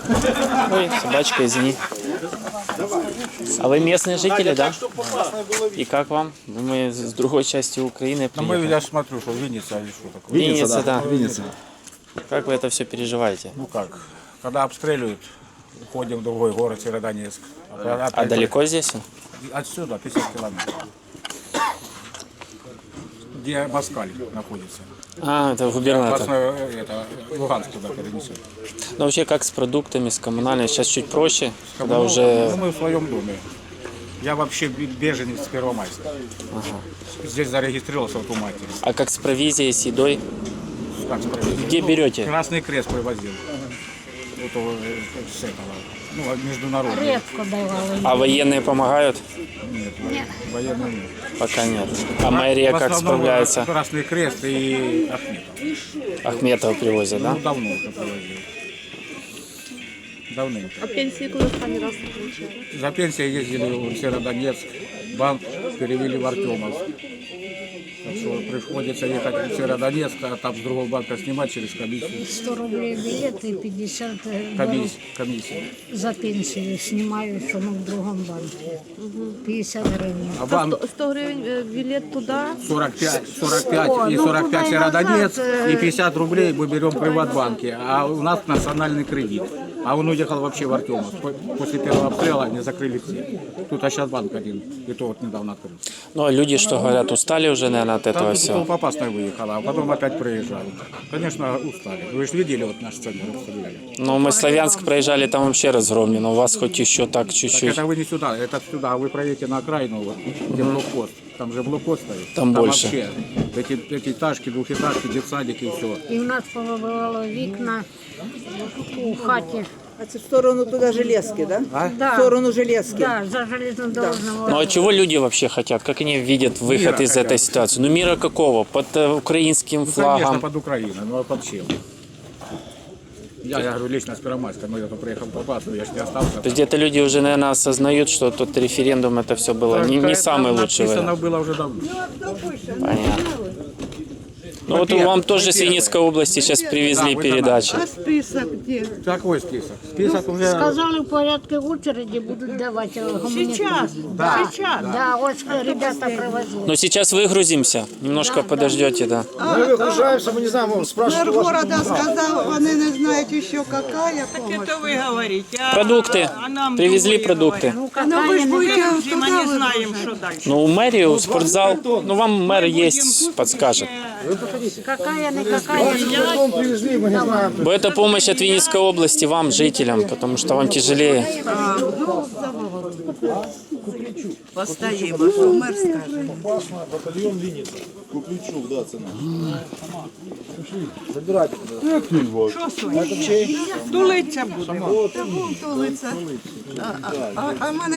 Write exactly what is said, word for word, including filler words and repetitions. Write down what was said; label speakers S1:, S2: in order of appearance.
S1: Ой, собачка, извини. А вы местные жители, да? И как вам? Мы с другой части Украины
S2: Ну, мы,
S1: приехали.
S2: я смотрю, что Винница или что такое.
S1: Винница, да.
S3: Винница.
S1: Как вы это все переживаете?
S2: Ну как, когда обстреливают, уходим в другой город, Северодонецк.
S1: А
S2: Опять
S1: далеко здесь?
S2: Отсюда пятьдесят километров. Где Москаль находится.
S1: А, это губернатор.
S2: Опасно, это, Луганск туда перенесет.
S1: Ну вообще как с продуктами, с коммунальными? Сейчас чуть проще, когда
S2: Ну,
S1: уже...
S2: ну, мы в своем доме. Я вообще беженец с Первомайска. Здесь зарегистрировался вот у матери.
S1: А как с провизией, с едой?
S2: Как сказать?
S1: Где
S2: Ну,
S1: берете?
S2: Красный Крест привозил. Вот э, с этого. Ну, международный.
S4: Редко давали.
S1: А военные помогают?
S2: Нет, военный нет.
S1: Пока нет. А мэрия
S2: В
S1: как
S2: основном
S1: справляется?
S2: Красный Крест и Ахметов.
S1: Ахметова привозят, да?
S2: Ну, давно уже привозил. Давным.
S5: А пенсии куда сами раз не получали?
S2: За пенсией ездили в Северодонецк, банк перевели в Артемовск. Так что приходится ехать в Северодонецк, а там с другого банка снимать через комиссию.
S4: сто рублей билет и пятьдесят беру
S2: Комиссия. комиссия.
S4: за пенсию снимаю, что мы в другом банке. пятьдесят гривен.
S2: А банк
S5: сто, сто гривен э, билет туда.
S2: сорок пять, сорок пять
S4: О,
S2: и
S4: ну,
S2: сорок пять
S4: туда и
S2: Северодонецк,
S4: назад, э,
S2: и пятьдесят рублей мы берем в Приватбанке, а у нас национальный кредит. А он уехал вообще в Артемовск. После первого обстрела они закрыли все. Тут а сейчас банк один, и то вот недавно открыл.
S1: Ну а люди, что говорят, устали уже, наверное, от этого
S2: Там
S1: всего?
S2: толпа опасная выехала, а потом опять приезжают. Конечно, устали. Вы же видели вот наш центр обстреляли.
S1: Ну, мы Славянск проезжали, там вообще разгромлено. У вас хоть еще так
S2: Так
S1: чуть-чуть.
S2: это вы не сюда, это сюда. А вы проедете на окраину, вот, где блокпост. Там же блокпост стоит.
S1: Там больше.
S2: Вообще эти пятиэтажки, двухэтажки, детсадики и все.
S4: І в нас повибивало вікна у хаті.
S6: А це в сторону туди Железки, да?
S4: Да.
S6: В сторону Железки.
S4: Да, за железнодорожного.
S1: Ну а чего люди вообще хотят? Как они видят выход
S2: Мира
S1: из
S2: хотят.
S1: этой ситуации? Ну мира какого? Под э, украинским
S2: Ну, конечно,
S1: флагом?
S2: под Украиной, ну а под чем? Я, я говорю, лично с Первомайска, но я тут приехал попасть, я ж не остался.
S1: То есть где-то люди уже, наверное, осознают, что тот референдум это все было не, не
S2: Это
S1: самый лучший
S2: написано
S1: вариант.
S2: было уже давно.
S1: Понятно. Ну вот вам тоже с Винницкой области сейчас привезли
S2: Да, вы
S1: передачи.
S5: А список где?
S2: Какой список? Список уже...
S4: Сказали, в порядке очереди будут давать гуманитарные.
S5: Сейчас,
S2: Да,
S5: сейчас.
S4: Да, вот ребята привозили.
S1: Но сейчас выгрузимся, немножко подождете, да.
S3: Мы выгружаемся, мы не знаем, мы спрашиваем.
S7: Мэр города сказал, они не знают еще какая помощь.
S5: Это вы говорите. А,
S1: Продукты.
S5: а нам
S1: Привезли
S5: другое
S1: продукты.
S4: Ну,
S7: Но вы же
S4: какая
S7: будете
S5: говорите. Мы
S7: туда
S5: не знаем, что дальше.
S1: Ну, у мэрию, спортзал, ну вам мэр есть, подскажет.
S4: какая не какая.
S3: Дом привезли, мы не знаем.
S1: Бо это помощь от Винницкой области вам, жителям, потому что вам тяжелее.
S7: Постоїмо, що мер скаже.
S3: Батальон Винница. Купличук, да, цена. Забирайте.
S5: Що Соня? Тулиться буде.
S7: А, а, а, а в мене